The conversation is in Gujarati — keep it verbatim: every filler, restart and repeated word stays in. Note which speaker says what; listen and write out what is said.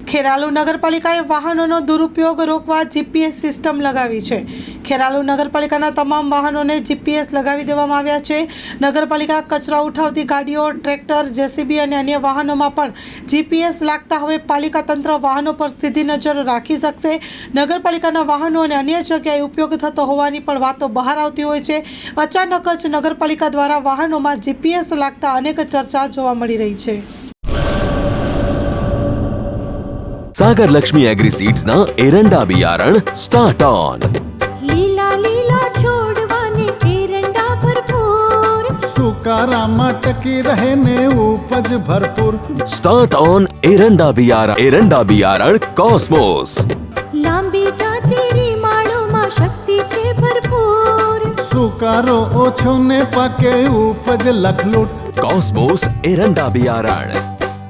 Speaker 1: ખેરાલુ નગરપાલિકાએ વાહનોનો દુરુપયોગ રોકવા જીપીએસ સિસ્ટમ લગાવી છે। ખેરાલુ નગરપાલિકાના તમામ વાહનોને જીપીએસ લગાવી દેવામાં આવ્યા છે। નગરપાલિકા કચરા ઉઠાવતી ગાડીઓ, ટ્રેક્ટર, જેસીબી અને અન્ય વાહનોમાં પણ જીપીએસ લાગતા હવે પાલિકા તંત્ર વાહનો પર સીધી નજર રાખી શકશે। નગરપાલિકાના વાહનો અને અન્ય જગ્યાએ ઉપયોગ થતો હોવાની પણ વાતો બહાર આવતી હોય છે। અચાનક જ નગરપાલિકા દ્વારા વાહનોમાં જીપીએસ લાગતા અનેક ચર્ચા જોવા મળી રહી છે।
Speaker 2: सागर लक्ष्मी एग्री सीड्स ना एरंडा बियारण स्टार्ट ऑन।
Speaker 3: લીલા લીલા છોડવાને એરંડા ભરપૂર,
Speaker 4: સુકારામાં ટકી રહે ને ઉપજ ભરપૂર।
Speaker 2: स्टार्ट ऑन एरंडा बियारण एरंडा बियारण कॉस्मोस।
Speaker 3: લાંબી જાચેરી માળોમાં શક્તિ છે ભરપૂર,
Speaker 4: સુકારો ઓછો ને પાકે ઉપજ લખલૂટ।
Speaker 2: कॉस्मोस एरंडा बियारण।